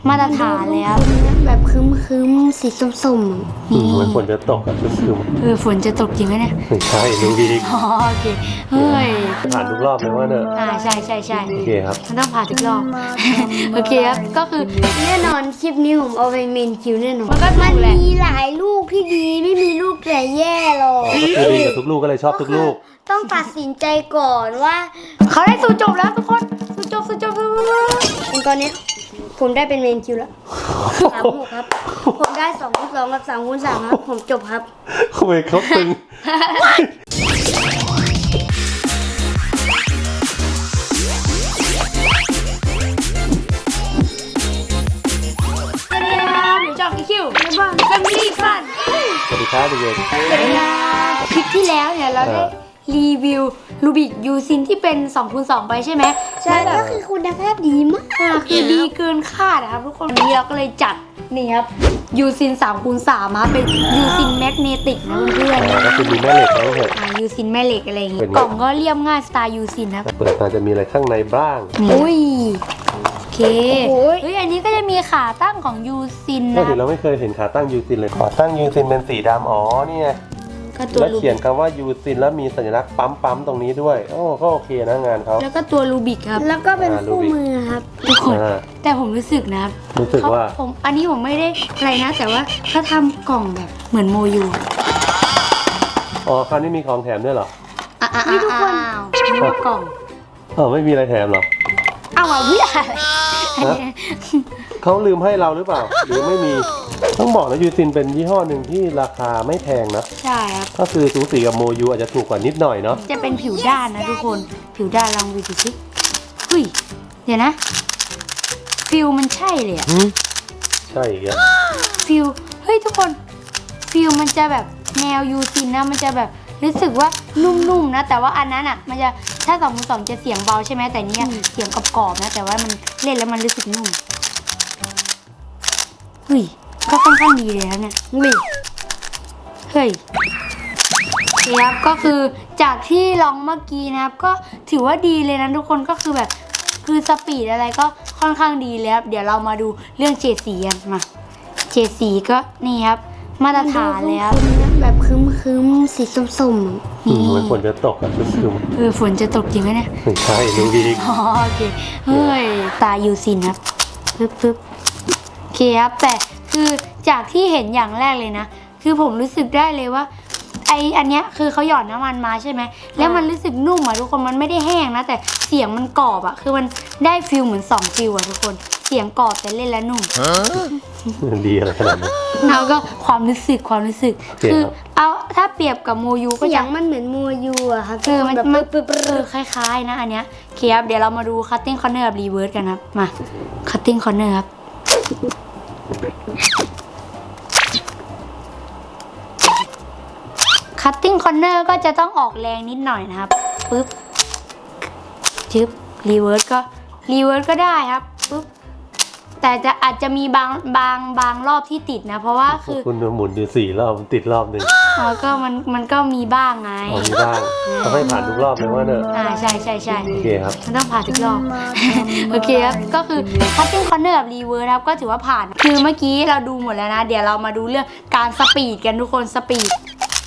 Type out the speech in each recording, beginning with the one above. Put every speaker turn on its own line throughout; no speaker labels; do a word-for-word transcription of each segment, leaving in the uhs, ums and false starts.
มาตรฐานแล้ว
แบบคึ้มคึ้มสีส้มๆ
นี่เหมือนฝนจะตกอะคึม
เออฝนจะตกจริงไหมเนี่ย
ไม่ใช่ดูดี
อ๋อโอเคเฮ้ย
ผ่านทุกรอบเลยว่าเนอะ
อ่าใช่ใช่ใช่
โอเคครับ
มันต้องผ่านทุกรอบโอเคครับก็คือ
แน่นอนคลิปนี้ผมเอาไปเมนคิวแน่นอน
มันก็ถู
มัน
กแหละ
มีหลายลูกที่ดีไม่มีลูกแต่แย่หรอก
ก็คือดีกับทุกลูกก็เลยชอบทุกลูก
ต้องตัดสินใจก่อนว่า
เขาได้สู่จบแล้วทุกคนสู่จบสู่จบ
ตอนนี้ผมได้เป็นเมนคิวแล้วสามหกครับผมได้สองคูณสองกับสามคูณสามครับผมจบครับ
ทำไมเขาตึง
จอบคิวในบ้านแฟมิลี่ฟัน
สวัสดีครับเด็กๆ
สวัสดีครับคลิปที่แล้วเนี่ยเราได้รีวิวลูบิกยูซินที่เป็น สองคูณสอง ไปใช่ไหม
ใช่ก็คือคุณภาพดีมาก
คือดีเกินคาดนะครับทุกคนวันนี้เราก็เลยจัดนี่ครับยูซิน สามคูณสาม มาเป็นยูซินแมกเนติกนะเพื่อน
ๆก็คือมีแม่เหล็กแล้วเหรอ
ยูซินแม่เหล็กอะไรอย่างเงี้ยกล่องก็เรียบง่ายสไตล์ยูซินนะ
เปิดมาจะมีอะไรข้างในบ้าง
อุ้ยโอเคเฮ้ยอันนี้ก็จะมีขาตั้งของยูซินนะ
เราไม่เคยเห็นขาตั้งยูซินเลยขาตั้งยูซินเป็นสีดำอ๋อนี่ไงแล้วเขียนคำว่ายูซินแล้วมีสัญลักษณ์ปั๊มปั๊มตรงนี้ด้วยโอ้ก็โอเคนะงานเขา
แล้วก็ตัวลูบิกครับ
แล้วก็เป็นคู่มือครับ
ทุกคนแต่ผมรู้สึกนะครับ
รู้สึกว่า
ผมอันนี้ผมไม่ได้อะไรนะแต่ว่าเขาทำกล่องแบบเหมือนโมยู
อ๋อคราวนี้มีของแถมด้วยเหรอ
นี่ทุกคนมีกล่อง
เออไม่มีอะไรแถมหรอ
เอาอ่ะพี่อะไร
เขาลืมให้เราหรือเปล่าหรือไม่มีต้องบอกนะยูซินเป็นยี่ห้อหนึ่งที่ราคาไม่แพงนะ
ใช่ครับ
ก็คือสูสีกับโมยูอาจจะถูกกว่านิดหน่อยเนาะ
จะเป็นผิวด้านนะทุกคนผิวด้านลองดูสิเฮ้ยเดี๋ยวนะฟิลมันใช่เลยอ่ะ
ใช่ครับ
ฟิลเฮ้ยทุกคนฟิลมันจะแบบแนวยูซินนะมันจะแบบรู้สึกว่านุ่มๆนะแต่ว่าอันนั้นอ่ะมันจะถ้าสองคูณสองจะเสียงเบาใช่ไหมแต่นี้เสียงกรอบๆนะแต่ว่ามันเล่นแล้วมันรู้สึกนุ่มเฮ้ยก็ค่อนข้างดีเลยนะเนี่ยเฮ้ยเฮ้ยครับก็คือจากที่ลองเมื่อกี้นะครับก็ถือว่าดีเลยนะทุกคนก็คือแบบคือสปีดอะไรก็ค่อนข้างดีเลยครับเดี๋ยวเรามาดูเรื่องเฉดสีกันมาเฉดสีก็นี่ครับมาตรฐานแล้ว
แบบคึ้มคึ้มสีส้ม
ๆนี่เหมือนฝนจะตกอะคึ้ม
ๆเออฝนจะตกจริงไหมเนี่ย
ไม่ใช่ดูดี
อ๋อโอเคเฮ้ยตายูซินครับปึ๊บปึ๊บโอเคครับแต่คือจากที่เห็นอย่างแรกเลยนะคือผมรู้สึกได้เลยว่าไออันเนี้ยคือเขาหยอดน้ำมันมาใช่ไหมแล้วมันรู้สึกนุ่มอ่ะทุกคนมันไม่ได้แห้งนะแต่เสียงมันกรอบอ่ะคือมันได้ฟิลเหมือนสองฟิลอ่ะทุกคนเสียงกรอบแต่เล่นแล้วนุ่ม
ดีอะไรขนาดนั้น
แล้วก็ความรู้สึกความรู้สึกคือเอาถ้าเปรียบกับโมยูก็
เสีย
ง
มันเหมือนโมยูอะครับ
เออมันมันเออคล้ายๆนะอันเนี้ยโอเคครับเดี๋ยวเรามาดูคัตติ้งคอร์เนอร์กับรีเวิร์สกันครับมาคัตติ้งคอร์เนอร์ครับคัตติ้งคอร์เนอร์ก็จะต้องออกแรงนิดหน่อยนะครับปึ๊บจึ๊บรีเวิร์สก็รีเวิร์สก็ได้ครับปึ๊บแต่จะอาจจะมีบางบางบางรอบที่ติดนะเพราะว่าคือ
คุณหมุนอยู่สี่รอบติดรอบหนึ่ง
อ๋อก็มันมันก็มีบ้างไง
อ๋อมีบ้างต้องให้ผ่านทุกรอบเลยว่าเนอะ
อ่าใช่ใช่ใช่
โอเคครับ
มันต้องผ่านทุกรอบโอเคครับก็คือคัตติ้งคอร์เนอร์กับรีเวิร์สครับก็ถือว่าผ่านคือเมื่อกี้เราดูหมดแล้วนะเดี๋ยวเรามาดูเรื่องการสปีดกันทุกคนสปีด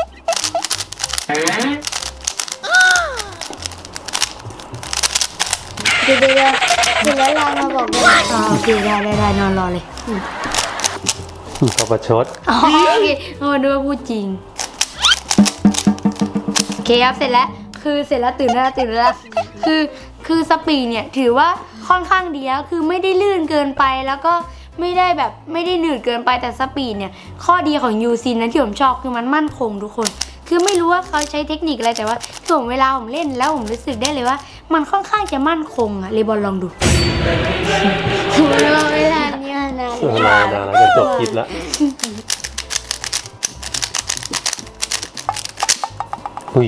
เดี๋ยวเดี๋ยวเดี๋ยวแล้วเรามาบอกเลย
อ๋อโอเคได้ได้ได้นอนรอเลย
เขาประชด
อ๋อโอเคโอ้ดูว่าพูดจริงโอเคครับเสร็จแล้วคือเสร็จแล้วตื่นแล้วตื่นแล้วคือคือสปีดเนี่ยถือว่าค่อนข้างดีแล้วคือไม่ได้ลื่นเกินไปแล้วก็ไม่ได้แบบไม่ได้หนืดเกินไปแต่สปีดเนี่ยข้อดีของยูซินนะที่ผมชอบคือมันมั่นคงทุกคนคือไม่รู้ว่าเขาใช้เทคนิคอะไรแต่ว่าคือผมเวลาผมเล่นแล้วผมรู้สึกได้เลยว่ามันค่อนข้างจะมั่นคงอะเลบอนลองดู
เราไม่ทันเนี่ยนะ
นานนานแล้วจะจบคลิปแล้วอุ้ย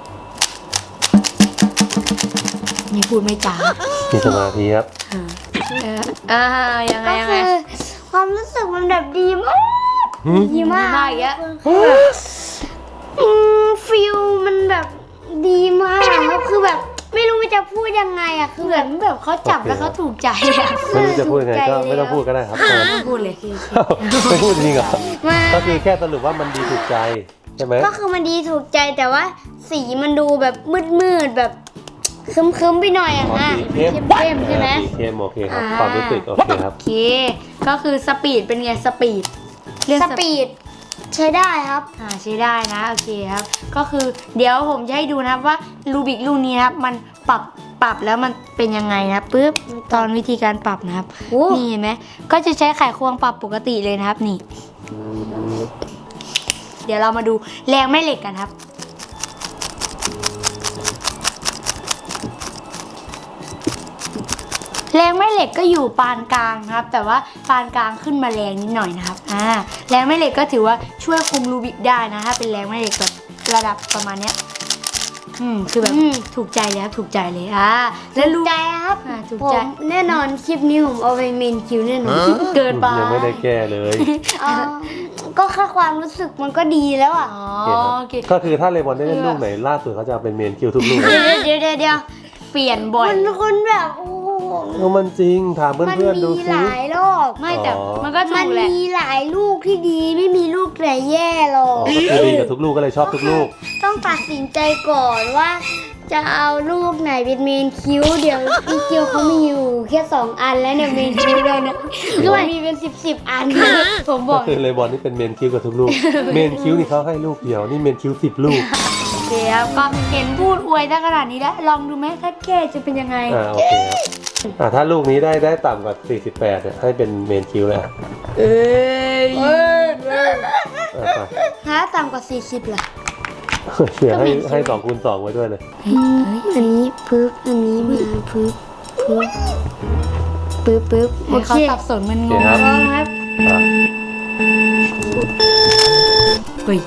นี่พูดไม่จ้า
มีสมาธิครับ
อ่ายังไงยังไง
ความรู้สึกมันแบบดีมากดีมาก
มากอย่างเงี้ย
ฟิลมันแบบดีมากครับคือแบบไม่รู้มันจะพูดยังไงอะคือ
เหมือนแบบเขาจับแล้วเขาถูกใจอะ
ไม่รู้จะพูดยังไงก็ไม่ต้องพูดก็ได้ครับ
ไม่พูดเลย
ไม่พูดจริงเหรอ
มา
ก็คือแค่สรุปว่ามันดีถูกใจใช่ไหม
ก็คือมันดีถูกใจแต่ว่าสีมันดูแบบมืดๆแบบคึมๆไปหน่อยอะ
อ๋อ
ค่ะ
สีเข้ม
เข้มๆใช่ไหม
สีเข้มโอเคครับ
อ่า
ความรู้สึกโอเคครับ
โอเค ก็คือสปีดเป็นไงสปีดเรื่อง
สปีดใช้ได้ครับ
อ่าใช้ได้นะโอเคครับ ก็คือเดี๋ยวผมจะให้ดูนะครับว่ารูบิกลูกนี้นะครับมันปรับปรับแล้วมันเป็นยังไงนะปึ๊บตอนวิธีการปรับนะครับ
โอ้
นี่เห็นไหมก็จะใช้ไขควงปรับปกติเลยนะครับนี่ เดี๋ยวเรามาดูแรงแม่เหล็กกันครับ แรงแม่เหล็กก็อยู่ปานกลางนะครับ แต่ว่าปานกลางขึ้นมาแรงนิดหน่อยนะครับอ่าแรงแม่เหล็กก็ถือว่าช่วยคุมรูบิกได้นะถ้าเป็นแรงแม่เหล็กแบบระดับประมาณเนี้ยอืมคือแบบ
อืม
ถูกใจเลยครับถูกใจเลยอ่าแล้วรู
ใจครับ
อ่าถูก
ผ
ใจ
มแน่นอนคลิปนี้ผมเอาไปเมนคิวแน่นอน
เกินไป
ยังไม่ได้แก้เลย
เอ่อก็แค่ความรู้สึกมันก็ดีแล้วอ่ะ
อ๋อ
โอเคครับ
โอเค
ก็คือถ้าเลมอนได้เล่นลูกไหนล่าสุดเขาจะเอาเป็นเมนคิวทุกลูก
เดี๋ยวเดี๋ยวเดี๋ยวเดี๋ยว
เปลี่ยนบ่อย
มันคนแบบโอ้โห
เออมันจริงถาม
มัน
เพื่อนๆดู
มี
ซิ
หลายรอบ
ไม่แต่
อ๋อ
มันก็ถู
มัน
กแหละ
มีหลายลูกที่ดีไม่มีลูกไหนแย่หรอ
อ๋อก ก็คือดีกับทุกลูกก็เลยชอบทุกลูก
ต้องตัดสินใจก่อนว่า จะเอาลูกไหนเป็นเมนคิวเดี๋ยวพี่คิวเขามีอยู่แค่สองอันแล้วเนี่ยเมนคิวเลยนะคือมันมีเป็นสิบสิบอัน
ผมบ
ก็
อก
คือเลมอนนี่เป็นเมนคิวกับทุกลูก เมนคิวนี่เขาให้ลูกเดียวนี่เมนคิวสิบลูก
โอเคครับก็เห็นพูดอวยได้ขนาดนี้แล้วลองดูไหมถ้าแก้จะเป็นยังไง
อ่าโอเคครับอ่าถ้าลูกนี้ได้ได้ต่ำกว่าสี่สิบแปดเนี่ยให้เป็นเมนคิวเลยอ่ะ
เอ้ย
อ่ะไป
ถ้าต่ำกว่าสี่สิบล่ะ
เดี๋ยวให้ให้สองคูณสองไว้ด้วยเลย
อันนี้ปึ๊บอันนี้มาปึ๊บปึ๊บปึ๊บปึ๊บโอ
ให้
เค
เขาสับสนมันง
โอเค
ง
ครับ
พร้อมครับ
อ่ะ
เฮ้ย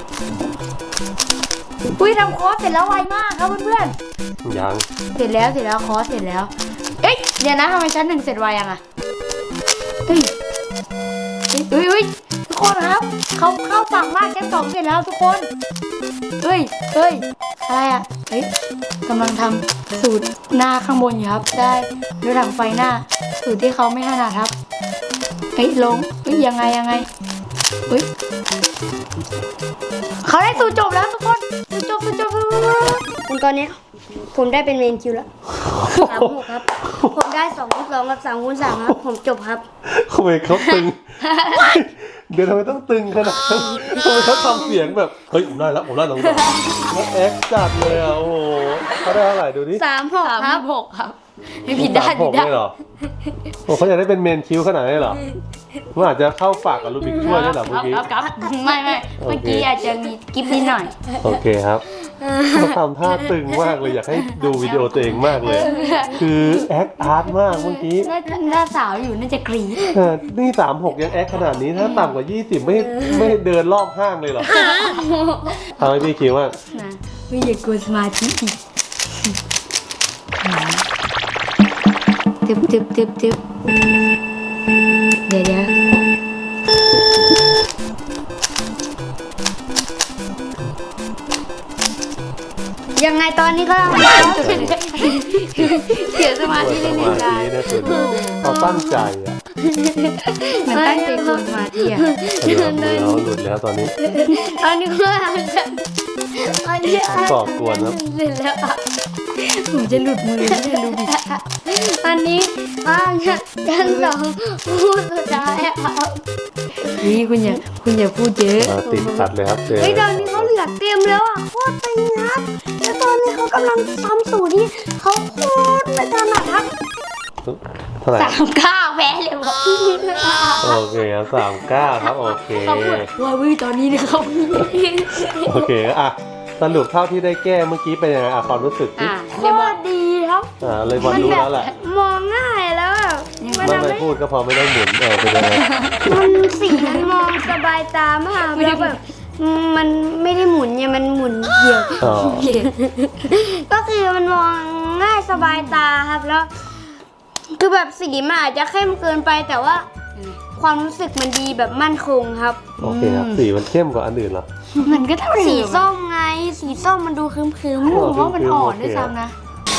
อุ้ยทำคอร์สเสร็จแล้วไวมากครับเพื่อน
ยัง
ๆเสร็จแล้วเสร็จแล้วคอร์สเสร็จแล้ว เอ๊ะเดี๋ยวนะทำไมชั้นหนึ่งเสร็จไวยังอะเฮ้ยเฮ้ยเฮ้ยทุกคนครับเขาเข้าฝั่งมากชั้นสองเสร็จแล้วทุกคนเฮ้ยเฮ้ยอะไรอะเฮ้ยกำลังทำสูตรหน้าข้างบนอยู่ครับ ได้ด้วยถังไฟหน้า สูตรที่เขาไม่ถนัดครับเฮ้ยลงเฮ้ยยังไงยังไงเฮ้ยเขาได้สูตรจบแล้วทุกคนสูตรจบสูตรจบ
ผมตอนนี้ผมได้เป็นเมนคิวแล้วสามหกครับ ผมได้สองคูณสองกับสามคูณสามครับ ผมจบครับ
ทำไมเขาตึง เดี๋ยวทำไมต้องตึงขนาดนั้นทำไมเขาทำเสียงแบบเฮ้ยผมได้แล้วผมได้แล้วแล้วแอคจัดเลยอ่ะโอ้โหเขาได้เท่าไหร่ดูดิ
สามหก
สาม
ครับ
หกครับไม่ผิดได้
สามห
ผิด
ก
ได้
เลยเหรอโอ้เขาอยากได้เป็นเมนคิวขนาดนี้เหรอมันอาจจะเข้าฝากกับลูบิกช่วยด้วยเหรอเมื่อกี้
ครับครับไม่ไม่
โอเค
เมื่อกี้อาจจะมีกิฟต์นิดหน่อย
โอเคครับเขาทำท่าตึงมากเลยอยากให้ดูวิดีโอตัวเองมากเลย คือแอคอาร์ตมากเมื่อกี้
น่าน่าสาวอยู่น่าจะกรี๊ด
เออนี่สามหกยังแอคขนาดนี้ถ้าต่ำกว่ายี่สิบไม่ไม่เดินรอบห้างเลยเหรอทำให้พี่คิดว่า
นะไม่อย่ากลัวสมาธิอีกตึบตึบตึบตึบเดี๋ยวเดี๋ยว
ยังไงตอนนี้ก็ต้อง
เสียสมา
ตัว
ธิ
ส
เล่น
มา
ๆได้
ธินะคุณเขาตั้งใจอ่ะ
เหมือนตั้งใจกลัวสมาธิอ่ะ
เดี๋ยวมือเขาหลุดแล้วตอนนี้
ตอนนี้ก็จะตอนนี้
ก่อกวนครับ
เสร็จแล้วครับ
ผมจะหลุดมือไม่ได้รู้ดิ
ตอนนี้ว่างกันสองพูดสุดท้ายครับ
นี่คุณอย่าคุณอย่าพูดเยอะ
อ่าติดขัดเลยครับเจอ
เฮ้ยตอนนี้เขาเหลือเต็มแล้วอ่ะโคตรตึงครับแล้วตอนนี้เขากำลังทำสูตรที่เขาโคตรไม่ถนัดครับ
เท่าไหร่
สามเก้าแพ้เลยว่ะ
โอเคครับสามเก้าครับโอเค
เขาพูดว่าวิตอนนี้นะครับ
โอเคอ่ะสรุปเท่าที่ได้แก้เมื่อกี้เป็นยังไงอ่ะความรู้สึกที่
อ่ะ
โค
เรียกว่า
ตรดีครับ
อ่าเลยบอลรู้แล้วแหละ
มองง่ายแล้วแบบมัน
ไม่
ทำ
ไม่
ให้
พูดก็พอไม่ต้องหมุนเออเป็นยังไง
มันสีมันมองสบายตามากแล้วแบบมันไม่ได้หมุนเนี่ยมันหมุนเดี่ยว
อ๋อ
ก็คือมันมองง่ายสบายตาครับแล้ว คือแบบสีมันอาจจะเข้มเกินไปแต่ว่า ความรู้สึกมันดีแบบมั่นคงครับ
โอเคครับสีมันเข้มกว่าอันอื่นเหรอ
มันก็เท่าเดิม
สี
อะ
ส้มไง สีส้มมันดูครึ้มๆ
ผมว่ามันอ่อนด้วยซ้ำนะ
ใ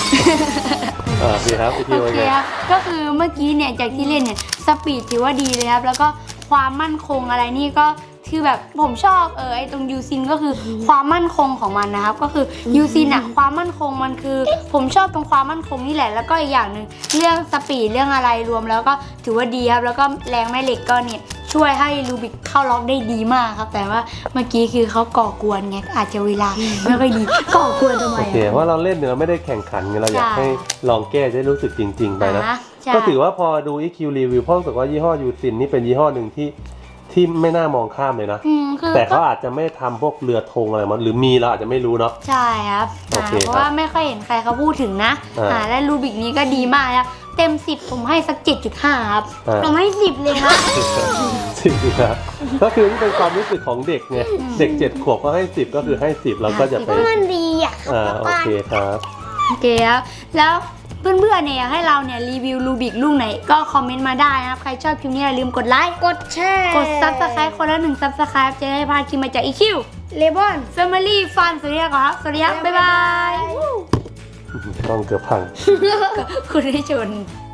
อ่าดีครับอีกที
โอ
ว่า
เค
ไง
ครับก็คือเมื่อกี้เนี่ยจากที่เล่นเนี่ยสปีดถือว่าดีเลยครับแล้วก็ความมั่นคงอะไรนี่ก็คือแบบผมชอบเออไอตรงยูซินก็คือความมั่นคงของมันนะครับก็คือยูซินอะความมั่นคงมันคือ ผมชอบตรงความมั่นคงนี่แหละแล้วก็อีกอย่างหนึ่งเรื่องสปีดเรื่องอะไรรวมแล้วก็ถือว่าดีครับแล้วก็แรงแม่เหล็กก็เนี่ยช่วยให้ลูบิกเข้าล็อกได้ดีมากครับแต่ว่าเมื่อกี้คือเขาก่อกวนไงอาจจะเวลาไม่ค่อยดีก่อกวนทำไม
โอเค
อะ
เพราะเราเล่นเนี่ยเราไม่ได้แข่งขันไงเราอยาก
ใช่
ให้ลองแก้จะได้รู้สึกจริง ๆ ไปนะ
อ่าใช่
ก็ถือว่าพอดู อี คิว รีวิวพ่อรู้สึกว่ายี่ห้อยูซินนี่เป็นยี่ห้อหนึ่งที่ที่ไม่น่ามองข้ามเลยนะ
อืมคือ
แต่เขาอาจจะไม่ทำพวกเรือธงอะไรมาหรือมีเราอาจจะไม่รู้เนาะ
ใช่ครับ
โอเค
อ่าเพราะว่าไม่ค่อยเห็นใครเขาพูดถึงนะ
อ่า
อ่าและรูบิกนี้ก็ดีมากครับเต็มสิบผมให้สัก เจ็ดจุดห้า ครับ
อ่า
ผมให้สิบเลยครับ
สิบนะก็คือนี่เป็นความรู้สึกของเด็กไงเด็กเจ็ดขวบก็ให้สิบก็คือให้สิบเราก็จะไป
เพราะมันดีอ่ะ
อ่าโอเคครับ
โอเคครับแล้วเพื่อนๆเนี่ยอยากให้เราเนี่ยรีวิวรูบิกลูกไหนก็คอมเมนต์มาได้นะครับ ใครชอบคลิปนี้อย่าลืมกดไลค์
กดแชร์
กดซับสไครต์คนละหนึ่งซับสไครต์จะได้พลาดคลิปมาจาก อี คิว
เลบอน
Family Fun สวัสดีครับสวัสดีครับบ๊ายบาย
ต้องเกือบพัง
คุณได้ชน